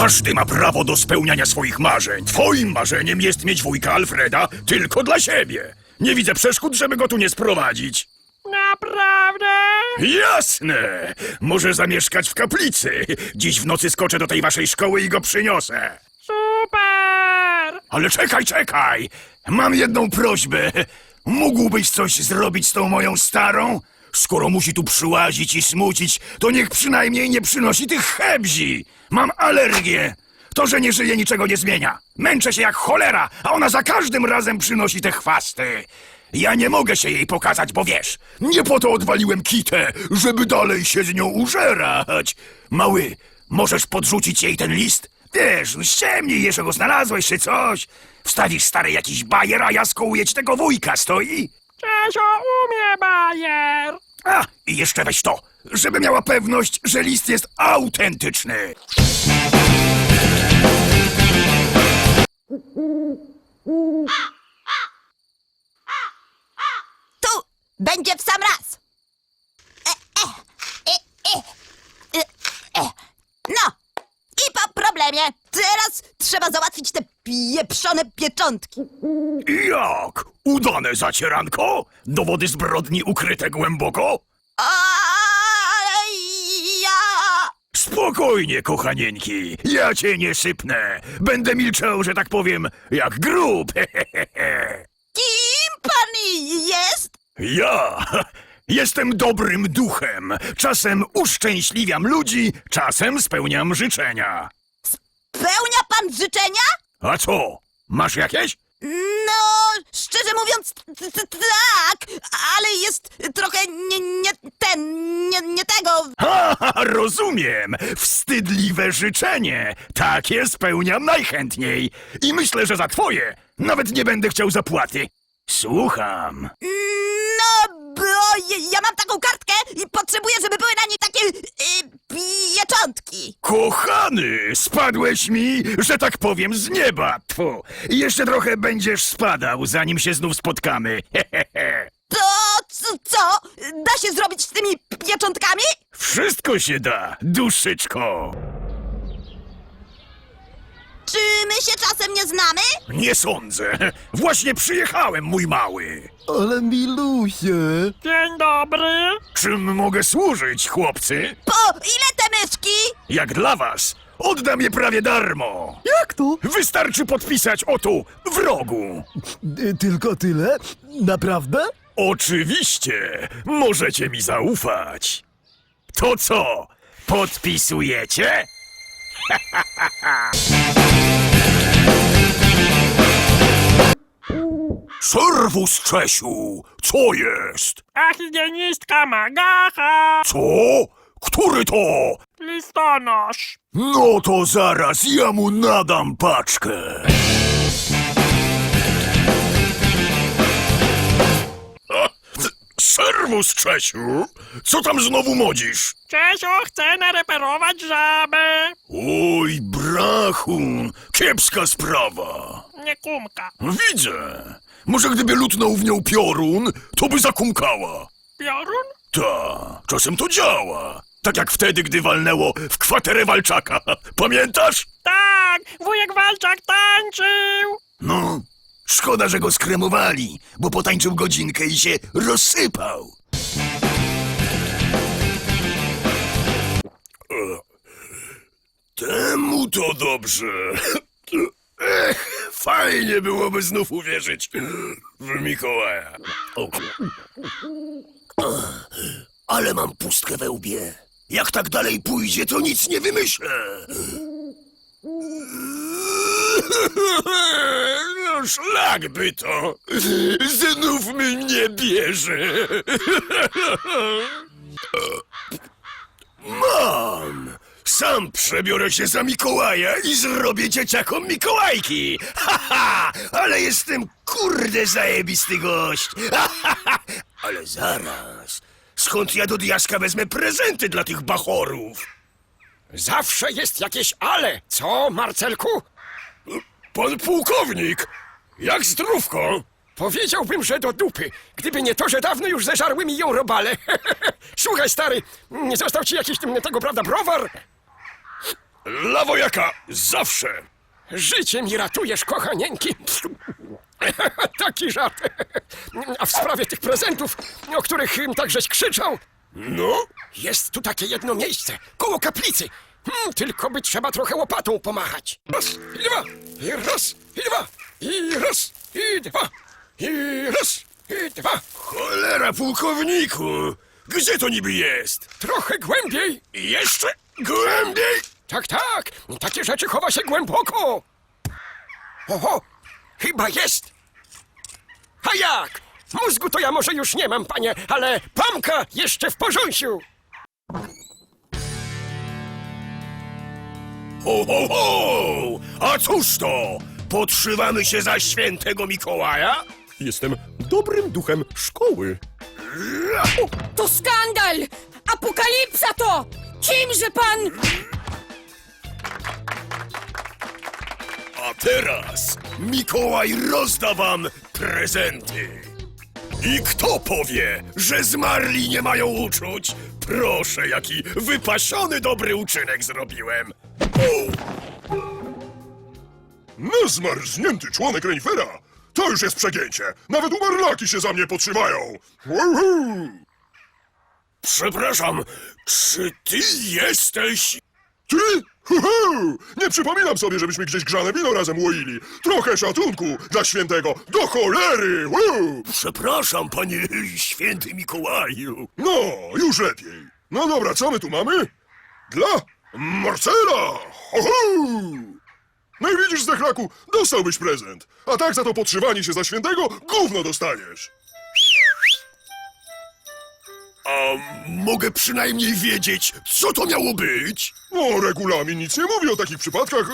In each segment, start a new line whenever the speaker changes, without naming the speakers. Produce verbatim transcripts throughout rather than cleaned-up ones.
Każdy ma prawo do spełniania swoich marzeń. Twoim marzeniem jest mieć wujka Alfreda tylko dla siebie. Nie widzę przeszkód, żeby go tu nie sprowadzić.
Naprawdę?
Jasne! Może zamieszkać w kaplicy. Dziś w nocy skoczę do tej waszej szkoły i go przyniosę.
Super!
Ale czekaj, czekaj! Mam jedną prośbę. Mógłbyś coś zrobić z tą moją starą? Skoro musi tu przyłazić i smucić, to niech przynajmniej nie przynosi tych hebzi. Mam alergię. To, że nie żyje, niczego nie zmienia. Męczę się jak cholera, a ona za każdym razem przynosi te chwasty. Ja nie mogę się jej pokazać, bo wiesz, nie po to odwaliłem kitę, żeby dalej się z nią użerać. Mały, możesz podrzucić jej ten list? Wiesz, ściemnij, jeszcze go znalazłeś czy coś. Wstawisz stary jakiś bajer, a ja skołuję ci tego wujka, stoi?
Czesio umie bajer!
A, i jeszcze weź to, żeby miała pewność, że list jest autentyczny.
Tu będzie w sam raz. E, e, e, e, e, e. No, i po problemie. Teraz trzeba załatwić te pieprzone pieczątki.
Jak? Udane zacieranko? Dowody zbrodni ukryte głęboko?
Ale ja...
Spokojnie, kochanieńki, ja cię nie sypnę. Będę milczał, że tak powiem, jak grób.
Kim pan jest?
Ja jestem dobrym duchem. Czasem uszczęśliwiam ludzi, czasem spełniam życzenia.
Pełnia pan życzenia?
A co? Masz jakieś?
No, szczerze mówiąc, t- t- tak, ale jest trochę nie, nie ten, nie, nie tego.
Ha, ha, rozumiem. Wstydliwe życzenie. Takie spełniam najchętniej. I myślę, że za twoje nawet nie będę chciał zapłaty. Słucham.
No, bo ja- ja mam taką kartkę i potrzebuję, żeby były na niej takie y, pieczątki.
Kochany, spadłeś mi, że tak powiem, z nieba. Tfu. I jeszcze trochę będziesz spadał, zanim się znów spotkamy. Hehehe.
To co, co? Da się zrobić z tymi pieczątkami?
Wszystko się da, duszyczko.
Czy my się czasem nie znamy?
Nie sądzę. Właśnie przyjechałem, mój mały.
Ale milusie.
Dzień dobry!
Czym mogę służyć, chłopcy?
Po ile te myszki?
Jak dla was, oddam je prawie darmo.
Jak to?
Wystarczy podpisać o tu, w rogu.
Y, Tylko tyle? Naprawdę?
Oczywiście, możecie mi zaufać. To co, podpisujecie? Serwus, Czesiu, co jest?
A higienistka Magacha!
Co? Który to?
Listonosz!
No to zaraz ja mu nadam paczkę. A, serwus, Czesiu. Co tam znowu modzisz?
Czesio chce nareperować żabę!
Oj, brachun, kiepska sprawa.
Nie kumka.
Widzę. Może gdyby lutnął w nią piorun, to by zakumkała.
Piorun?
Ta, czasem to działa. Tak jak wtedy, gdy walnęło w kwaterę Walczaka. Pamiętasz?
Tak! Wujek Walczak tańczył!
No, szkoda, że go skremowali, bo potańczył godzinkę i się rozsypał. Temu to dobrze. Ech, fajnie byłoby znów uwierzyć w Mikołaja. O. Ale mam pustkę we łbie. Jak tak dalej pójdzie, to nic nie wymyślę. No szlak by to. Znów mnie bierze. Mam. Sam przebiorę się za Mikołaja i zrobię dzieciakom Mikołajki. Ha, ha, ale jestem kurde zajebisty gość. Ha, ha, ha. Ale zaraz. Skąd ja do diaska wezmę prezenty dla tych bachorów?
Zawsze jest jakieś ale, co, Marcelku?
Pan pułkownik, jak zdrówko?
Powiedziałbym, że do dupy, gdyby nie to, że dawno już zeżarły mi ją robale. Słuchaj, stary, nie został ci jakiś mm, tego, prawda, browar?
Dla wojaka zawsze.
Życie mi ratujesz, kochanieńki. Taki żart. A w sprawie tych prezentów, o których ym, tak żeś krzyczał,
No?
jest tu takie jedno miejsce, koło kaplicy. Hmm, tylko by trzeba trochę łopatą pomachać. Raz, i dwa, i raz, i dwa, i raz, i dwa, i raz, i dwa.
Cholera, pułkowniku! Gdzie to niby jest?
Trochę głębiej.
I jeszcze głębiej?
Tak, tak, takie rzeczy chowa się głęboko. Oho, chyba jest. A jak? Mózgu to ja może już nie mam, panie, ale pamka jeszcze w porząsiu.
Ho, ho, ho! A cóż to? Podszywamy się za świętego Mikołaja?
Jestem dobrym duchem szkoły.
To skandal! Apokalipsa to! Kimże pan...
A teraz Mikołaj rozda wam prezenty. I kto powie, że zmarli nie mają uczuć? Proszę, jaki wypasiony dobry uczynek zrobiłem. U!
Zmarznięty członek renifera! To już jest przegięcie! Nawet umarlaki się za mnie podszywają! Uhu!
Przepraszam, czy ty jesteś...
Ty? Huhu! Nie przypominam sobie, żebyśmy gdzieś grzane wino razem łoili. Trochę szacunku dla świętego, do cholery! Uhu!
Przepraszam, panie święty Mikołaju.
No, już lepiej. No dobra, co my tu mamy? Dla Marcela! Uhu! No i widzisz, Zdechlaku, dostałbyś prezent. A tak za to podszywanie się za świętego gówno dostaniesz.
A mogę przynajmniej wiedzieć, co to miało być?
No, regulamin nic nie mówi o takich przypadkach.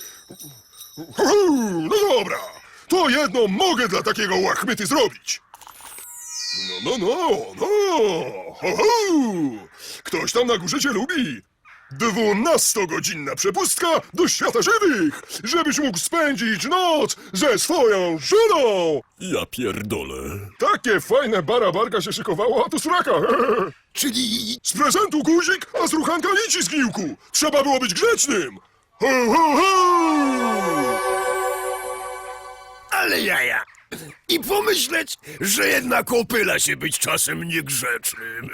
Uhu, no dobra, to jedno mogę dla takiego łachmyty zrobić. No, no, no, no, uhu. Ktoś tam na górze cię lubi. Dwunastogodzinna przepustka do świata żywych, żebyś mógł spędzić noc ze swoją żoną.
Ja pierdolę.
Takie fajne barabarka się szykowało, a tu sraka.
Czyli...
Z prezentu guzik, a z ruchanka nici z gniłku. Trzeba było być grzecznym. Ho, ho, ho!
Ale jaja. I pomyśleć, że jednak opyla się być czasem niegrzecznym.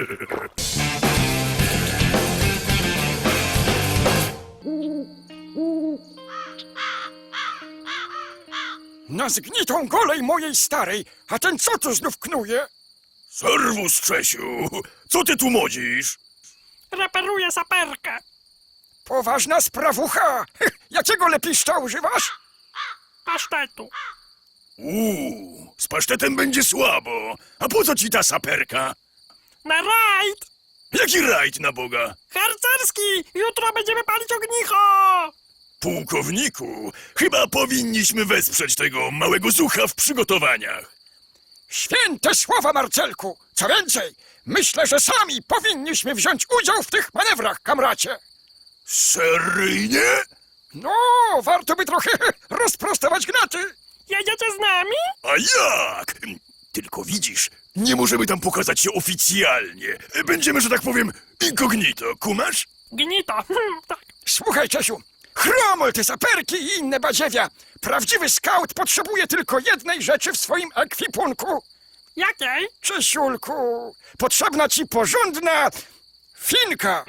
Na zgnitą golej mojej starej, a ten co tu znów knuje?
Serwus, Czesiu. Co ty tu modzisz?
Reperuję saperkę.
Poważna sprawucha. Jakiego lepiszcza używasz?
Pasztetu.
Uuu, z pasztetem będzie słabo. A po co ci ta saperka?
Na rajd!
Jaki rajd na Boga?
Harcerski! Jutro będziemy palić ognicho!
Pułkowniku, chyba powinniśmy wesprzeć tego małego zucha w przygotowaniach.
Święte słowa, Marcelku! Co więcej, myślę, że sami powinniśmy wziąć udział w tych manewrach, kamracie.
Seryjnie?
No, warto by trochę rozprostować gnaty.
Jedziecie z nami?
A jak? Tylko widzisz, nie możemy tam pokazać się oficjalnie. Będziemy, że tak powiem, incognito, kumasz?
Gnito. Hmm, tak.
Słuchaj, Czesiu, chromol te saperki i inne badziewia. Prawdziwy skaut potrzebuje tylko jednej rzeczy w swoim ekwipunku.
Jakiej?
Czesiulku, potrzebna ci porządna finka.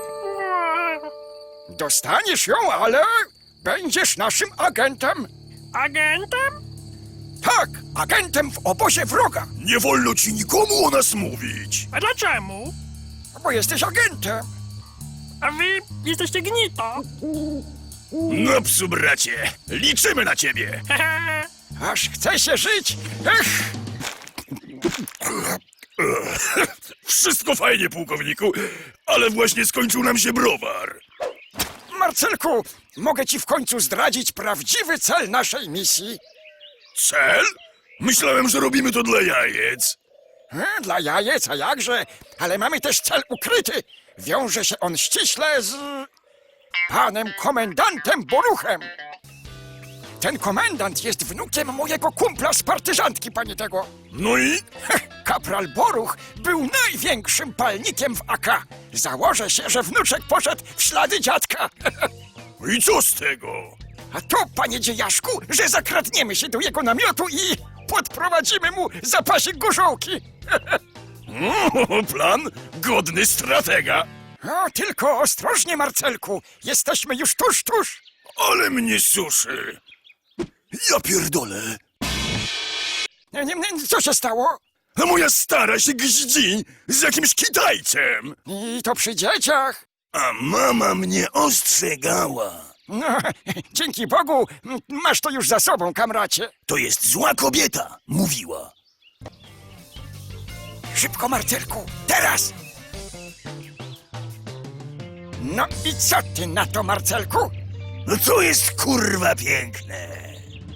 Dostaniesz ją, ale będziesz naszym agentem.
Agentem?
Tak, agentem w obozie wroga,
Nie wolno ci nikomu o nas mówić.
A dlaczego?
bo jesteś agentem.
A wy jesteście gnito.
No psu, bracie, liczymy na ciebie.
Hehe.
Aż chce się żyć. Ech,
Wszystko fajnie, pułkowniku, ale właśnie skończył nam się browar.
Marcelku, mogę ci w końcu zdradzić prawdziwy cel naszej misji.
Cel? Myślałem, że robimy to dla jajec.
E, Dla jajec, a jakże? Ale mamy też cel ukryty. Wiąże się on ściśle z panem komendantem Boruchem. Ten komendant jest wnukiem mojego kumpla z partyzantki, panie tego.
No i?
Heh, Kapral Boruch był największym palnikiem w A K. Założę się, że wnuczek poszedł w ślady dziadka.
I co z tego?
A to, panie dziejaszku, że zakradniemy się do jego namiotu i podprowadzimy mu zapasik gorzołki.
O, plan godny stratega.
O, tylko ostrożnie, Marcelku. Jesteśmy już tuż, tuż.
Ale mnie suszy. Ja pierdolę.
Nie, nie, nie, co się stało?
A moja stara się gździ z jakimś Kitajcem.
I to przy dzieciach.
A mama mnie ostrzegała.
No, dzięki Bogu, m, masz to już za sobą, kamracie.
To jest zła kobieta, mówiła.
Szybko, Marcelku, teraz! No i co ty na to, Marcelku?
No to jest kurwa piękne.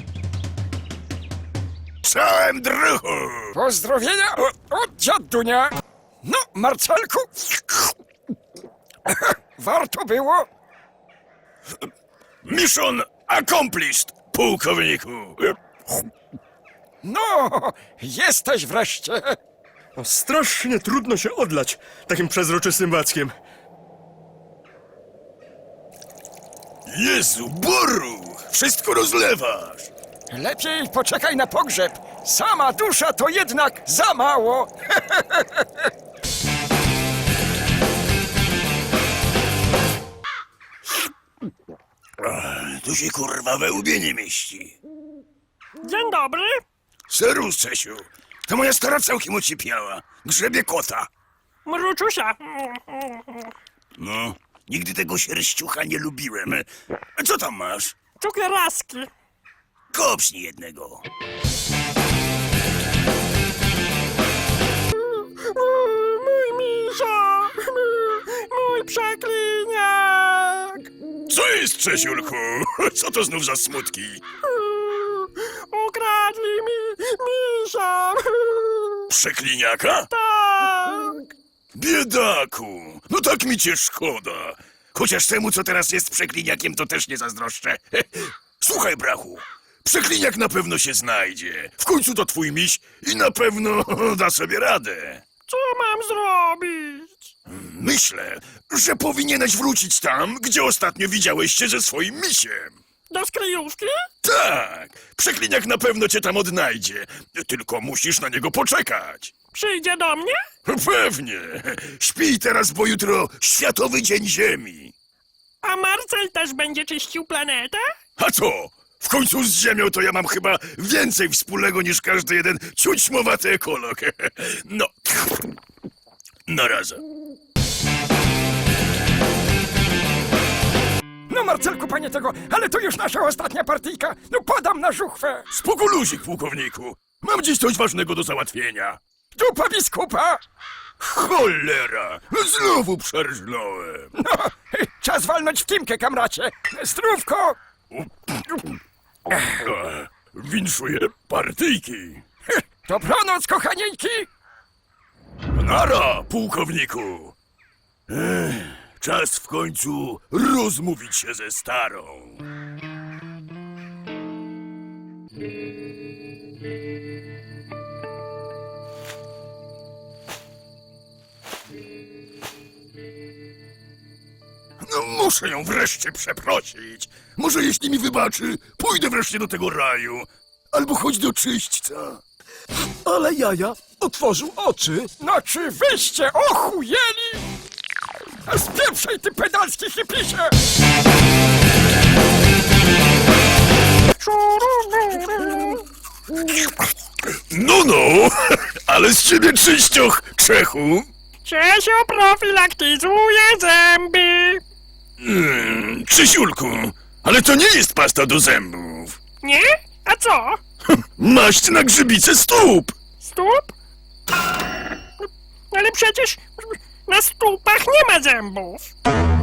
Czołem druhu.
Pozdrowienia od, od dziadunia. No, Marcelku, warto było.
Mission accomplished, pułkowniku.
No, jesteś wreszcie.
No, strasznie trudno się odlać takim przezroczystym wackiem.
Jezu, Boru, wszystko rozlewasz.
Lepiej poczekaj na pogrzeb. Sama dusza to jednak za mało.
Tu się kurwa we łbie nie mieści.
Dzień dobry.
Serus, Czesiu. To moja stara całkiem ocipiała. Grzebie kota.
Mruczusia.
No, nigdy tego sierściucha nie lubiłem. A co tam masz?
Cukieraski.
Kopsnij jednego.
Mój misio. Mój przekliniak.
Co jest, Czesiulku? Co to znów za smutki?
Ukradli mi misia.
Przekliniaka?
Tak.
Biedaku, no tak mi cię szkoda. Chociaż temu, co teraz jest przekliniakiem, to też nie zazdroszczę. Słuchaj, brachu, przekliniak na pewno się znajdzie. W końcu to twój miś i na pewno da sobie radę.
Co mam zrobić?
Myślę, że powinieneś wrócić tam, gdzie ostatnio widziałeś się ze swoim misiem.
Do skryjówki?
Tak, przekliniak na pewno cię tam odnajdzie. Tylko musisz na niego poczekać.
Przyjdzie do mnie?
Pewnie. Śpij teraz, bo jutro Światowy Dzień Ziemi.
A Marcel też będzie czyścił planetę?
A co? W końcu z Ziemią to ja mam chyba więcej wspólnego niż każdy jeden ciućmowaty ekolog. No, na razie.
No, Marcelku, panie tego, ale to już nasza ostatnia partyjka. No, podam na żuchwę.
Spoko luzik, pułkowniku. Mam dziś coś ważnego do załatwienia.
Dupa biskupa.
Cholera! Znowu przerżnąłem.
No, czas walnąć w timkę, kamracie. Zdrówko.
Winszuję partyjki.
Dobranoc, kochanieńki.
Nara, pułkowniku. Ech, czas w końcu rozmówić się ze starą. No muszę ją wreszcie przeprosić. Może jeśli mi wybaczy, pójdę wreszcie do tego raju. Albo chodź do czyśćca.
Ale jaja otworzył oczy.
No, czy wyście ochujeli? Spieprzaj, ty pedalski hipisie.
No, no, ale z ciebie czyścioch, Czechu.
Czesio profilaktyzuje zęby.
Mm, Krzysiulku, ale to nie jest pasta do zębów.
Nie? A co?
Maść na grzybice stóp.
Stóp? Ale przecież na stópach nie ma zębów.